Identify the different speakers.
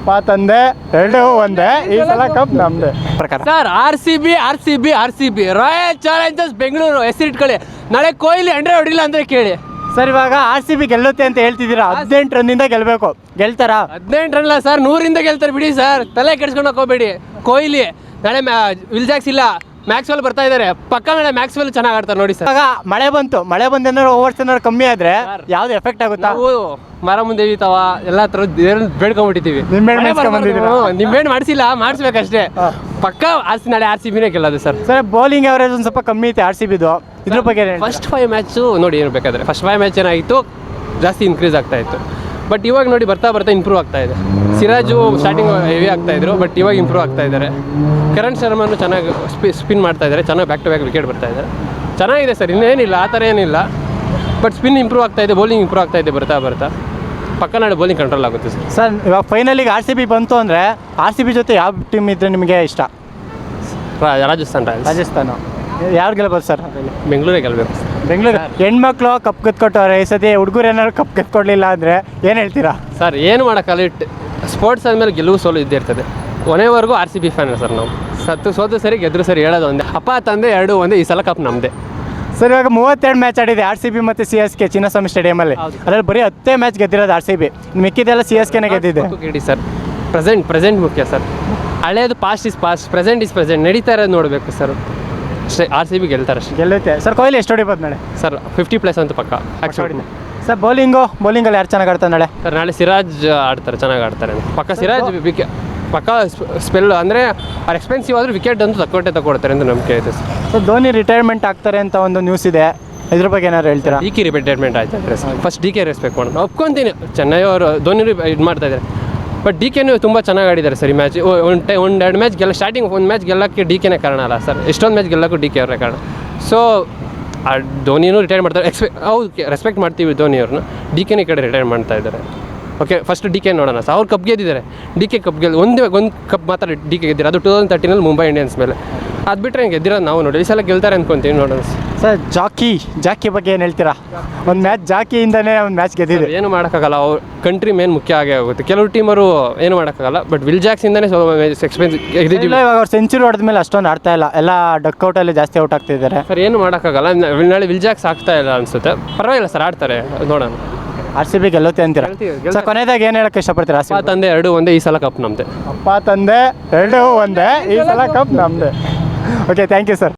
Speaker 1: ಅಪ್ಪ ತಂದೆ ಎರಡು ಒಂದೇ, ಈ ಸಲ ಕಪ್ ನಮ್ದೆ ಪ್ರಕಾರ.
Speaker 2: Sir RCB royal challengers Bengaluru ಹೆಸರಿಟ್ಕೊಳ್ಳಿ. ನಾಳೆ ಕೊಹ್ಲಿ 100 ಹೊಡಿಲ್ಲ ಅಂದರೆ ಕೇಳಿ
Speaker 1: ಸರ್. ಇವಾಗ RCB ಗೆಲ್ಲುತ್ತೆ ಅಂತ ಹೇಳ್ತಿದ್ದೀರಾ, 18 ರನ್ನಿಂದ ಗೆಲ್ಲಬೇಕು, ಗೆಲ್ತಾರಾ?
Speaker 2: 18 ರನ್ ಇಲ್ಲ ಸರ್, 100ರಿಂದ ಗೆಲ್ತಾರೆ ಬಿಡಿ ಸರ್, ತಲೆ ಕೆಡ್ಸ್ಕೊಂಡು ಹೋಗ್ಬೇಡಿ. ಕೊಹ್ಲಿ ನಾಳೆ ವಿಲ್ ಜಾಕ್ಸ್ ಇಲ್ಲ, ಮ್ಯಾಕ್ಸ್ವೆಲ್ ಬರ್ತಾ ಇದ್ದಾರೆ, ಪಕ್ಕ ನಾಳೆ ಮ್ಯಾಕ್ಸ್ವೆಲ್ ಚೆನ್ನಾಗಿ ಆಡ್ತಾರೆ ನೋಡಿ ಸರ್.
Speaker 1: ಇವಾಗ ಮಳೆ ಬಂದು ಏನಾದ್ರು ಓವರ್ಸ್ ಏನಾದ್ರು ಕಮ್ಮಿ ಆದ್ರೆ ಯಾವ್ದು ಎಫೆಕ್ಟ್ ಆಗುತ್ತಾ?
Speaker 2: ನಾವು ಮರ ಮುಂದೆ ಇವಿತಾವ ಎಲ್ಲ ಥರದ್ದು ಬೇಡ್ಕೊಂಡ್ಬಿಟ್ಟಿದ್ದೀವಿ. ನಿಮ್ಮೇನು ಮಾಡಿಸಿಲ್ಲ, ಮಾಡಿಸ್ಬೇಕಷ್ಟೇ. ಪಕ್ಕ ನಾಳೆ RCBನೇ ಗೆಲ್ಲೋದು ಸರ್.
Speaker 1: ಸರ್ ಬೌಲಿಂಗ್ ಅವರೇಜ್ ಒಂದು ಸ್ವಲ್ಪ ಕಮ್ಮಿ ಐತೆ RCBದು, ಇದ್ರ ಬಗ್ಗೆ
Speaker 2: ಫಸ್ಟ್ 5 ಮ್ಯಾಚು ನೋಡಿ ಏನು ಬೇಕಾದ್ರೆ ಫಸ್ಟ್ 5 ಮ್ಯಾಚ್ ಏನಾಗಿತ್ತು, ಜಾಸ್ತಿ ಇನ್ಕ್ರೀಸ್ ಆಗ್ತಾ ಇತ್ತು. ಬಟ್ ಇವಾಗ ನೋಡಿ ಬರ್ತಾ ಇಂಪ್ರೂವ್ ಆಗ್ತಾ ಇದೆ. ಸಿರಾಜು ಸ್ಟಾರ್ಟಿಂಗ್ ಹೆವಿ ಆಗ್ತಾ ಇದ್ರು, ಬಟ್ ಇವಾಗ ಇಂಪ್ರೂವ್ ಆಗ್ತಾ ಇದ್ದಾರೆ. ಕರಣ್ ಶರ್ಮನು ಚೆನ್ನಾಗಿ ಸ್ಪಿನ್ ಮಾಡ್ತಾ ಇದ್ದಾರೆ, ಚೆನ್ನಾಗಿ ಬ್ಯಾಕ್ ಟು ಬ್ಯಾಕ್ ವಿಕೆಟ್ ಬರ್ತಾ ಇದ್ದಾರೆ. ಚೆನ್ನಾಗಿದೆ ಸರ್, ಇನ್ನೇನಿಲ್ಲ ಆ ಥರ ಏನಿಲ್ಲ. ಬಟ್ ಸ್ಪಿನ್ ಇಂಪ್ರೂವ್ ಆಗ್ತಾ ಇದೆ, ಬೌಲಿಂಗ್ ಇಂಪ್ರೂವ್ ಆಗ್ತಾ ಇದೆ ಬರ್ತಾ ಪಕ್ಕ ನಾಳೆ ಬೌಲಿಂಗ್ ಕಂಟ್ರೋಲ್ ಆಗುತ್ತೆ ಸರ್.
Speaker 1: ಸರ್ ಇವಾಗ ಫೈನಲಿಗೆ RCB ಬಂತು ಅಂದರೆ RCB ಜೊತೆ ಯಾವ ಟೀಮ್ ಇದ್ರೆ ನಿಮಗೆ ಇಷ್ಟ? ರಾಜಸ್ಥಾನ. ಯಾರು ಗೆಲ್ಬೋದು ಸರ್?
Speaker 2: ಬೆಂಗಳೂರೇ ಗೆಲ್ಲಬೇಕು.
Speaker 1: ಬೆಂಗಳೂರು ಹೆಣ್ಮಕ್ಳು ಕಪ್ ಗೆದ್ಕೊಟ್ಟವ್ರೆ, ಈ ಸತಿ ಹುಡುಗರು ಏನಾದ್ರು ಕಪ್ ಗೆದ್ಕೊಡ್ಲಿಲ್ಲ ಅಂದರೆ ಏನು ಹೇಳ್ತೀರಾ?
Speaker 2: ಸರ್ ಏನು ಮಾಡೋಕ್ಕಲ್ಲ, ಸ್ಪೋರ್ಟ್ಸ್ ಆದಮೇಲೆ ಗೆಲುವು ಸೋಲು ಇದ್ದೇ ಇರ್ತದೆ. ಕೊನೆವರೆಗೂ RCB ಫ್ಯಾನ್ ಸರ್ ನಾವು. ಸೋತು ಸರಿ ಗೆದ್ರು ಸರಿ ಹೇಳೋದು ಒಂದೇ, ಅಪ್ಪ ತಂದೆ 2 ಒಂದೇ, ಈ ಸಲ ಕಪ್ ನಮ್ಮದೇ.
Speaker 1: ಸರ್ ಇವಾಗ 32 ಮ್ಯಾಚ್ ಆಡಿದೆ RCB ಮತ್ತು CSK ಚಿನ್ನಸ್ವಾಮಿ ಸ್ಟೇಡಿಯಮಲ್ಲಿ. ಅದರಲ್ಲಿ ಬರೀ 10 ಮ್ಯಾಚ್ ಗೆದ್ದಿರೋದು RCB, ಮಿಕ್ಕಿದೆಲ್ಲ CSKನೇ ಗೆದ್ದಿದೆ.
Speaker 2: ಕೇಳಿ ಸರ್, ಪ್ರೆಸೆಂಟ್ ಮುಖ್ಯ ಸರ್. ಹಳೇದು past is past, present is present, ನಡೀತಾ ಇರೋದು ನೋಡಬೇಕು ಸರ್. ಅಷ್ಟೇ, RCB ಗೆಲ್ತಾರೆ ಅಷ್ಟೇ.
Speaker 1: ಗೆಲ್ಲುತ್ತೆ ಸರ್. ಕೊಹ್ಲಿ ಎಷ್ಟು ಹೊಡಿಬೋದು ನಾಳೆ?
Speaker 2: ಸರ್ 50+ ಅಂತ ಪಕ್ಕ ಆ್ಯಕ್ಚುಲಿ.
Speaker 1: ಸರ್ ಬೌಲಿಂಗಲ್ಲಿ ಯಾರು ಚೆನ್ನಾಗಿ ಆಡ್ತಾರೆ ನಾಳೆ?
Speaker 2: ಸರ್ ನಾಳೆ ಸಿರಾಜ್ ಆಡ್ತಾರೆ, ಚೆನ್ನಾಗಿ ಆಡ್ತಾರೆ ಪಕ್ಕ. ಸಿರಾಜ್ ಪಕ್ಕ ಸ್ಪೆಲ್ ಅಂದರೆ ಅವ್ರು ಎಕ್ಸ್ಪೆನ್ಸಿವ್ ಆದರೂ ವಿಕೆಟ್ ಅಂತೂ ತಗೊಳ್ತಾರೆ ಅಂತ ನಂಬಿಕೆ ಐತೆ ಸರ್.
Speaker 1: ಸೊ ಧೋನಿ ರಿಟೈರ್ಮೆಂಟ್ ಆಗ್ತಾರೆ ಅಂತ ಒಂದು ನ್ಯೂಸ್ ಇದೆ, ಇದ್ರ ಬಗ್ಗೆ ಏನಾದ್ರು ಹೇಳ್ತೀರಾ?
Speaker 2: DK ರಿಟೈರ್ಮೆಂಟ್ ಆಯ್ತು ಸರ್. ಫಸ್ಟ್ DK ರೆಸ್ಪೆಕ್ಟ್ ಮಾಡೋಣ, ಒಪ್ಕೊತೀನಿ. ಚೆನ್ನೈ ಅವರು ಧೋನಿ ಇದು ಮಾಡ್ತಾ ಇದ್ದಾರೆ, ಬಟ್ DKನೂ ತುಂಬ ಚೆನ್ನಾಗಿ ಆಡಿದ್ದಾರೆ ಸರ್. ಈ ಮ್ಯಾಚ್ ಒಂದು 2 ಮ್ಯಾಚ್ ಸ್ಟಾರ್ಟಿಂಗ್ ಒಂದು ಮ್ಯಾಚ್ ಗೆಲ್ಲಕ್ಕೆ DKನೇ ಕಾರಣ ಅಲ್ಲ ಸರ್, ಎಷ್ಟೊಂದು ಮ್ಯಾಚ್ ಗೆಲ್ಲಕ್ಕೂ DK ಅವರೇ ಕಾರಣ. ಸೊ ಧೋನಿನೂ ರಿಟೈರ್ ಮಾಡ್ತಾರೆ, ಹೌದು ರೆಸ್ಪೆಕ್ಟ್ ಮಾಡ್ತೀವಿ ಧೋನಿಯವ್ರನ್ನ. DKನೇ ಈ ಕಡೆ ರಿಟೈರ್ ಮಾಡ್ತಾ ಇದ್ದಾರೆ. ಓಕೆ, ಫಸ್ಟ್ DK ನೋಡೋಣ ಸರ್. ಅವ್ರು ಕಪ್ ಗೆದ್ದಿದ್ದಾರೆ, DK ಕಪ್ ಒಂದು ಕಪ್ ಮಾತ್ರ DK ಗೆದ್ದಿದ್ದಾರೆ, ಅದು 2013 ಮುಂಬೈ ಇಂಡಿಯನ್ಸ್ ಮೇಲೆ. ಅದು ಬಿಟ್ಟರೆ ಹಿಂಗೆ ಗೆದ್ದಿರೋದು ನಾವು ನೋಡಿ, ಈ ಸಲ ಗೆಲ್ತಾರೆ ಅಂದ್ಕೊತೀವಿ ನೋಡೋಣ
Speaker 1: ಸರ್. ಜಾಕಿ ಬಗ್ಗೆ ಏನು ಹೇಳ್ತೀರಾ? ಒಂದು ಮ್ಯಾಚ್ ಜಾಕಿಯಿಂದನೇ ಒಂದು ಮ್ಯಾಚ್ ಗೆದ್ದಿದೆ.
Speaker 2: ಏನು ಮಾಡೋಕ್ಕಾಗಲ್ಲ, ಅವ್ರು ಕಂಟ್ರಿ ಮೇನ್ ಮುಖ್ಯ ಆಗೇ ಆಗುತ್ತೆ. ಕೆಲವು ಟೀಮರು ಏನು ಮಾಡೋಕ್ಕಾಗಲ್ಲ, ಬಟ್ ವಿಲ್ ಜಾಕ್ಸಿಂದನೇ ಎಕ್ಸ್ಪೆನ್ಸ್ ಗೆದ್ದಿದ್ದೀವಿ.
Speaker 1: ಇವಾಗ ಅವ್ರು ಸೆಂಚುರಿ ಹೊಡೆದ ಮೇಲೆ ಅಷ್ಟೊಂದು ಆಡ್ತಾ ಇಲ್ಲ, ಎಲ್ಲ ಡಕ್ಔಟಲ್ಲಿ ಜಾಸ್ತಿ ಔಟ್ ಆಗ್ತಿದ್ದಾರೆ
Speaker 2: ಸರ್. ಏನು ಮಾಡೋಕ್ಕಾಗಲ್ಲ, ನಾಳೆ ವಿಲ್ ಜಾಕ್ಸ್ ಆಗ್ತಾ ಇಲ್ಲ ಅನಿಸುತ್ತೆ. ಪರವಾಗಿಲ್ಲ ಸರ್, ಆಡ್ತಾರೆ, ನೋಡೋಣ.
Speaker 1: RCB ಗೆಲ್ಲುತ್ತೆ ಅಂತೀರಾ? ಸರ್ ಕೊನೆಯದಾಗಿ ಏನು ಹೇಳಕ್ಕೆ ಇಷ್ಟಪಡ್ತೀರಾ?
Speaker 2: ಅಪ್ಪ ತಂದೆ 2 ಒಂದೇ, ಈ ಸಲ ಕಪ್ ನಮ್ಮದೇ.
Speaker 1: ಅಪ್ಪ ತಂದೆ 2 ಒಂದೇ, ಈ ಸಲ ಕಪ್ ನಮ್ಮದೇ. Okay, thank you sir.